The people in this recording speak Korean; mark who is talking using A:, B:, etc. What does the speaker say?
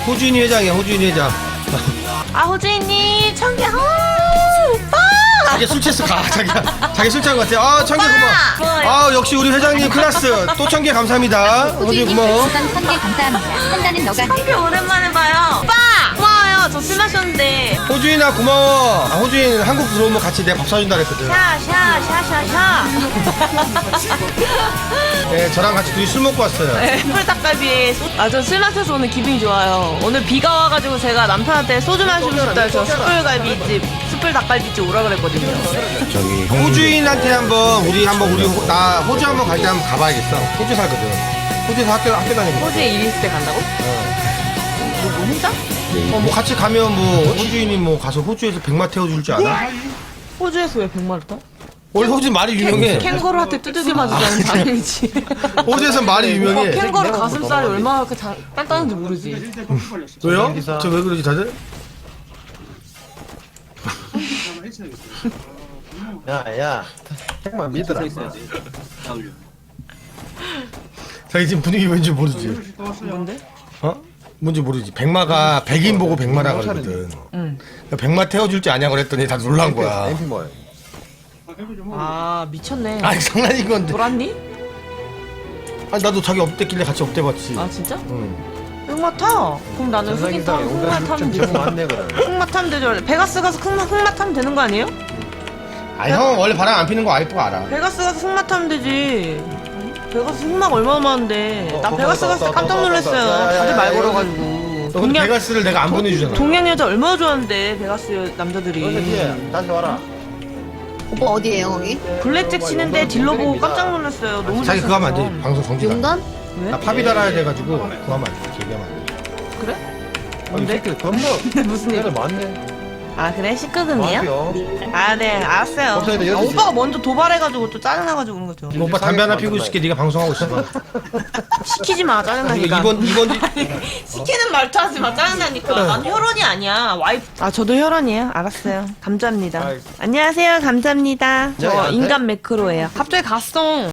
A: 호주인이 회장이야, 호주인이 회장.
B: 아 호주인님 청개 오빠.
A: 자기 술 취했어, 가. 자기 술 취한 것 같아. 아, 청개 고마워. 아, 역시 우리 회장님 클라스. 또 청개 감사합니다. 호주인 고마워.
C: 우선 1000개 감사합니다. 판단은 너가 해.
B: 청개 오랜만에 봐요. 오빠 고마워요. 저 술 마셨는데.
A: 호주인아, 고마워. 아, 호주인 한국 들어오면 같이 내가 밥 사준다 그랬거든.
B: 샤샤샤샤샤.
A: 네, 저랑 같이 둘이 술 먹고 왔어요.
B: 네, 숯불 닭갈비에 저 술 마셔서 오늘 기분이 좋아요. 오늘 비가 와가지고 제가 남편한테 소주 마시고 싶다 해서 숯불갈비집 숯불 닭갈비집 오라 그랬거든요.
A: 저기 호주인한테 우리 나 호주 한번 갈 때 한번 가봐야겠어. 호주 살거든. 호주에서 학교 다니고.
B: 호주에 일 있을 때 간다고? 뭐 혼자?
A: 뭐 같이 가면 뭐 호주인이 뭐 가서 호주에서 백마 태워줄 줄 알아?
B: 호주에서 왜 백마를 타?
A: 원래 호주 말이 유명해.
B: 캥거루한테 두들겨 맞으자는 장면이지.
A: 호주에서 말이 유명해.
B: 캥거루 가슴살이 얼마나 단단한지 모르지.
A: 왜요? 저 왜 그러지 다들?
D: 야, 책만 믿으라.
A: 자기 지금 분위기 왠지 모르지.
B: 뭔데?
A: 어? 뭔지 모르지. 백마가 백인 보고 백마라 그러거든.
B: 응.
A: 백마 태워줄지 아냐 그랬더니 다 놀란 거야.
D: 엠피 뭐야?
B: 아 미쳤네.
A: 아니 장난인 건데.
B: 돌았니?
A: 아니 나도 자기 업됐길래 같이 업돼봤지.
B: 아 진짜?
A: 응.
B: 흑마 타. 그럼 나는 흑인 타. 흑마 타면 되지.
D: 맞네 그래.
B: 흑마 타면 되죠. 베가스 가서 흑마 타면 되는 거 아니에요?
A: 아니 형 원래 바람 안 피는 거 와이프가 알아.
B: 베가스 가서 흑마 타면 되지. 베가스 흑마가 얼마나 많은데. 나 베가스 갔을 때 깜짝 놀랐어요. 다들 말 걸어가지고.
A: 너 근데 베가스를 내가 안 보내주잖아.
B: 동양 여자 얼마나 좋아하는데 베가스 남자들이.
D: 너네 다시 와라.
C: 오빠 어디에요 거기?
B: 블랙잭 치는데 딜러 보고 깜짝 놀랐어요. 너무
A: 자기 그거 하면 안 돼.
B: 잘생겼어.
A: 방송 정지가.
C: 용단?
B: 왜?
A: 나 팝이 달아야 돼가지고 그거 하면 안 돼. 얘기하면 안 돼.
B: 그래?
D: 아니 새끼 겁나
B: 무슨
D: 애들
B: 얘기?
D: 많네.
B: 아 그래? 19금이요? 아 네 알았어요.
D: 법사위도
B: 아,
D: 12시.
B: 오빠가 먼저 도발해가지고 또 짜증나가지고 그런 거죠.
A: 오빠 담배 하나 피우고 있을게. 네가 방송하고 있어.
B: 시키지 마 짜증나니까.
A: 이번
B: 시키는 말투 하지 마 짜증나니까. 난 혈원이 아니야 와이프. 아 저도 혈원이에요. 알았어요. 감사합니다.
D: 아이.
B: 안녕하세요. 감사합니다.
D: 야, 야,
B: 저 인간 매크로예요. 갑자기 갔어.